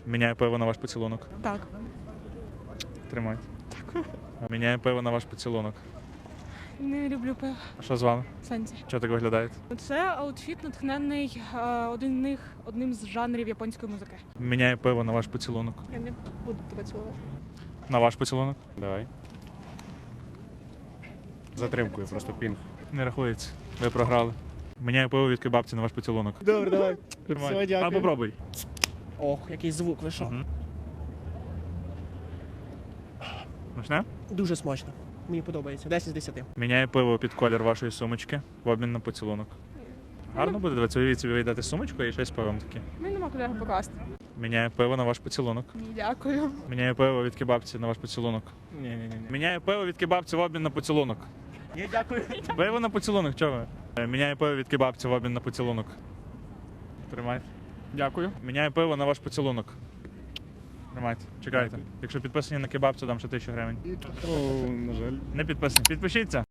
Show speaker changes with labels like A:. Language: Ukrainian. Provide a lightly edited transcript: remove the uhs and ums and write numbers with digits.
A: Міняю пиво на ваш поцілунок.
B: Так.
A: Тримайте. Міняю пиво на ваш поцілунок.
B: Не люблю пиво.
A: А що з вами?
B: Сенсі.
A: Чого так виглядаєте?
B: Це аутфіт, натхнений одним з жанрів японської музики.
A: Міняю пиво на ваш поцілунок.
B: Я не буду тебе цілувати.
A: На ваш поцілунок?
C: Давай. Затримкою, просто пінг.
A: Не рахується. Ви програли. Міняю пиво від кебабці на ваш поцілунок.
C: Добре, давай.
A: Тримайте.
C: Все, дякую.
A: А попробуй.
D: Ох, який звук вийшов.
A: Мгм. Смачне?
D: Дуже смачно. Мені подобається. 10 з 10.
A: Міняю пиво під колір вашої сумочки в обмін на поцілунок. Гарно буде, дивіться, уявіть собі, ви йдете сумочку і щось з пивом таке.
B: Мені нема куди його покласти.
A: Міняю пиво на ваш поцілунок.
B: Ні, дякую.
A: Міняю пиво від кебабці на ваш поцілунок.
C: Ні.
A: Міняю пиво від кебабці в обмін на поцілунок.
C: Ні, дякую.
A: Пиво на поцілунок, чого ви? Міняю пиво від кебабці в обмін на поцілунок. Тримайте.
C: Дякую.
A: Міняю пиво на ваш поцілунок. Тримайте, чекайте. Якщо підписані на кебабцю, дам ще 1000 гривень.
C: О, на жаль.
A: Не підписані. Підпишіться.